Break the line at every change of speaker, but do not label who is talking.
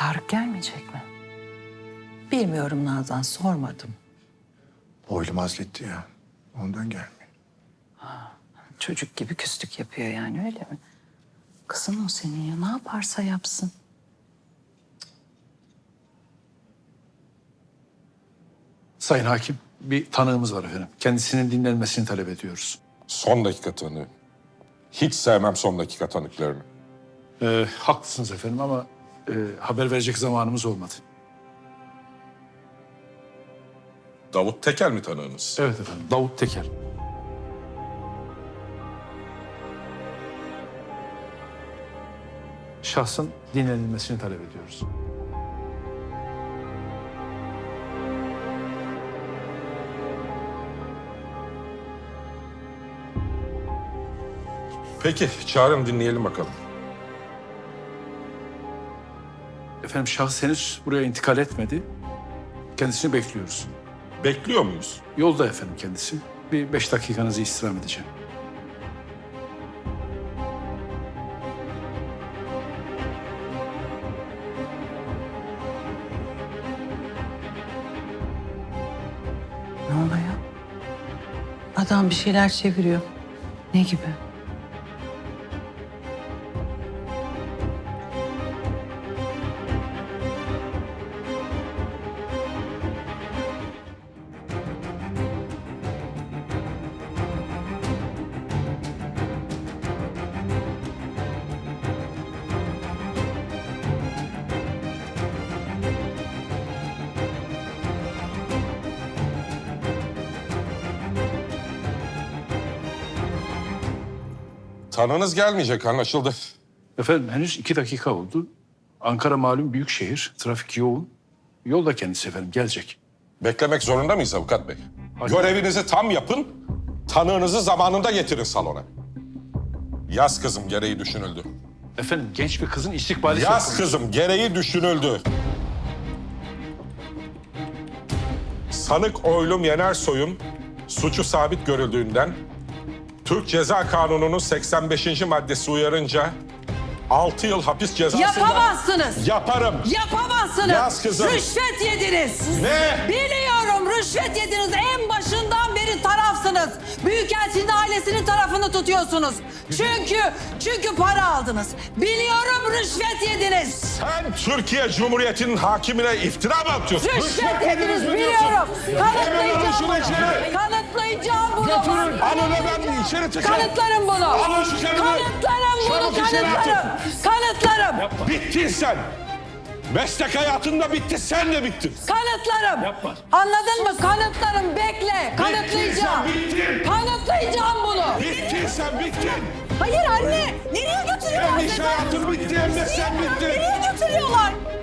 Tarık gelmeyecek mi? Bilmiyorum Nazan, sormadım.
Oylum azletti ya. Ondan gelmiyor.
Çocuk gibi küslük yapıyor yani, öyle mi? Kızın o senin ya, ne yaparsa yapsın.
Sayın Hakim, bir tanığımız var efendim. Kendisinin dinlenmesini talep ediyoruz.
Son dakika tanığı. Hiç sevmem son dakika tanıklarını.
Haklısınız efendim ama haber verecek zamanımız olmadı.
Davut Tekel mi tanığınız?
Evet efendim, Davut Teker. Şahsın dinlenilmesini talep ediyoruz.
Peki, çağırın dinleyelim bakalım.
Efendim şahıs henüz buraya intikal etmedi. Kendisini bekliyoruz.
Bekliyor muyuz?
Yolda efendim kendisi. Bir 5 dakikanızı istirham edeceğim.
Ne oluyor? Adam bir şeyler çeviriyor. Ne gibi?
Tanığınız gelmeyecek, anlaşıldı.
Efendim henüz 2 dakika oldu. Ankara malum büyük şehir. Trafik yoğun. Yolda kendisi efendim, gelecek.
Beklemek zorunda mıyız avukat bey?
Hayır.
Görevinizi tam yapın, tanığınızı zamanında getirin salona. Yaz kızım, gereği düşünüldü.
Efendim genç bir kızın istikbali söz
Yaz
konusu.
kızım, gereği düşünüldü. Sanık Oylum Yenersoy'un suçu sabit görüldüğünden Türk Ceza Kanunu'nun 85. maddesi uyarınca 6 yıl hapis cezası...
Yapamazsınız.
Yaparım.
Yapamazsınız.
Yaz kızım.
Rüşvet yediniz.
Ne?
Biliyorum, rüşvet yediniz. En başından beri tarafsınız. Büyükelçinin ailesinin tarafını tutuyorsunuz. Çünkü para aldınız. Biliyorum, rüşvet yediniz.
Sen Türkiye Cumhuriyeti'nin hakimine iftira mı atıyorsun?
Rüşvet yediniz, biliyorum. Kanıtlayacağım bunu. Kanıtlayacağım bunu.
Götürün. Alın efendim, içeri tıkın.
Kanıtlarım bunu.
Alın şu kağıdı.
Kanıtlarım bunu,
Çabuk içeri
kanıtlarım. Kanıtlarım.
Bittin sen. Meslek hayatında bitti, sen de bittin.
Kanıtlarım. Anladın mı? Kanıtlarım, bekle. Kanıtlayacağım.
bittin.
Kanıtlayacağım bunu.
Bittin sen, bittin.
Hayır anne. Nereye götürüyorlar?
Hem iş hayatın bitti hem de sen bittin.
Nereye götürüyorlar?